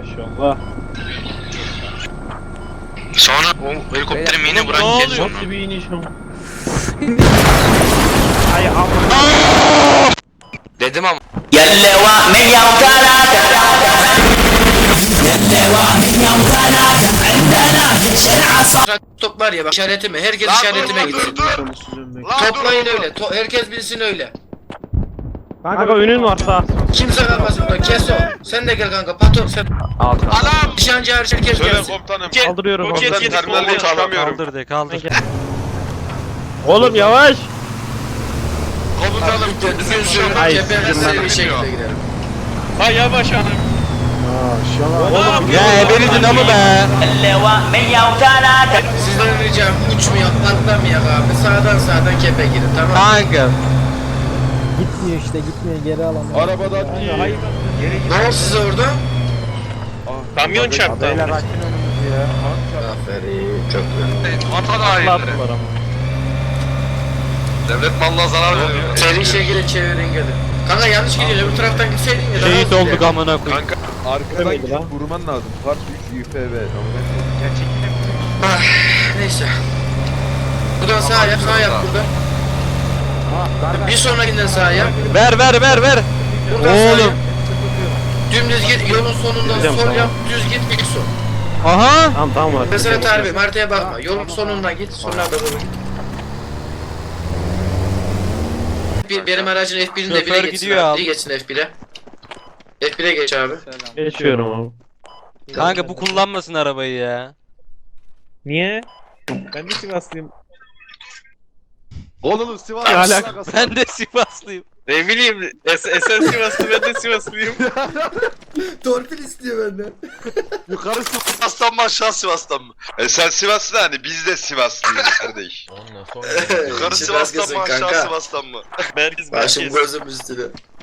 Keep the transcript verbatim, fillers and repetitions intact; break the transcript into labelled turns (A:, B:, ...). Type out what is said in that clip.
A: Maşallah.
B: Sonra o helikopterin yine
A: Ne
B: bırak
A: oluyor?
B: geçiyor.
A: Nasıl bir iniş o? Ay amına.
B: Dedim ama. Top var ya bak işaretime, herkes
C: Lan
B: işaretime
C: dur,
B: gitsin.
C: dur, dur. Lan
B: Toplayın
C: dur, dur.
B: öyle, to herkes bilsin öyle.
A: Kanka önün var sağ.
B: Kimse kalmasın burada, kes o. Sen de gel kanka, patron sen.
C: Anam!
B: Nişancı hariç herkes
C: Söyle
B: gelsin.
C: komutanım.
A: Kaldırıyorum.
C: Komutan
A: Komutan.
C: terminalde çıkamıyorum.
D: Kaldır de kaldır.
A: Oğlum yavaş.
C: Komutanım
B: Lütfen düzgün sürün,
A: Ay,
B: cepheden
A: sizin
B: seri
A: ben-
B: bir şekilde gidelim.
A: Ha yavaş hanım. Oğlum
D: Ya eberidin ama be.
B: Sizden ricam uçmayak, patlamayak abi. Sağdan sağdan kepe girin, tamam mı?
D: Kanka.
E: Gitmiyor işte gitmiyor geri alamıyor.
A: Arabadan hayır.
B: Ne oldu size orada?
A: Kamyon çarptı.
E: Beyler açın önümüzü ya.
B: Aferin, çok güzel.
C: vatan hainleri.
A: Attılar ama.
C: Devlet malına zarar veriyor.
B: Seri şekilde çevirin gelin. Kanka yanlış gidiyor, öbür taraftan gitseydin ya. daha
D: Şehit
B: hızlı
D: olduk
B: gider.
D: amına koyayım.
C: Kanka
F: Arkadan
A: Demedi lan.
F: gidip vurman lazım. Part üç Y F V.
B: Ah, neyse. Buradan sağa yap, sağa yap buradan. Bir sonrakinden sağa yap.
D: Ver ver ver ver.
B: Buradan sağa yap.
D: Oğlum.
B: Dümdüz git, yolun sonundan
A: Gideceğim,
B: sol
A: tamam.
B: yap, düz git, ilk son.
D: Aha.
A: Tamam tamam var.
B: Mesela tarif, haritaya bakma. Yolun sonundan git, sonra da doğru git. Bir, benim aracın F bir'inde
D: Şoför
B: bile geçsin
D: gidiyor
B: abi.
D: abi.
B: İyi geçsin F bir'e. F bir'e geç abi.
A: Geçiyorum abi.
D: Kanka bu kullanmasın arabayı ya.
A: Niye? Ben de Sivaslıyım.
F: Oğlum Sivas.
A: Ne alaka?
D: Ben de Sivaslıyım.
A: Ne bileyim. Esen Sivaslı ben de Sivaslıyım.
B: Torpil istiyor benden.
F: Yukarı Sivas.
C: Sivas'tan mı aşağı Sivas'tan mı? E sen Sivaslı hani biz de Sivaslıyız kardeş. Yukarı
B: Sivas
C: Sivas'tan
B: kızın
C: mı aşağı
B: kanka.
C: Sivas'tan mı?
A: Merkez
B: Başım gözüm üstüne.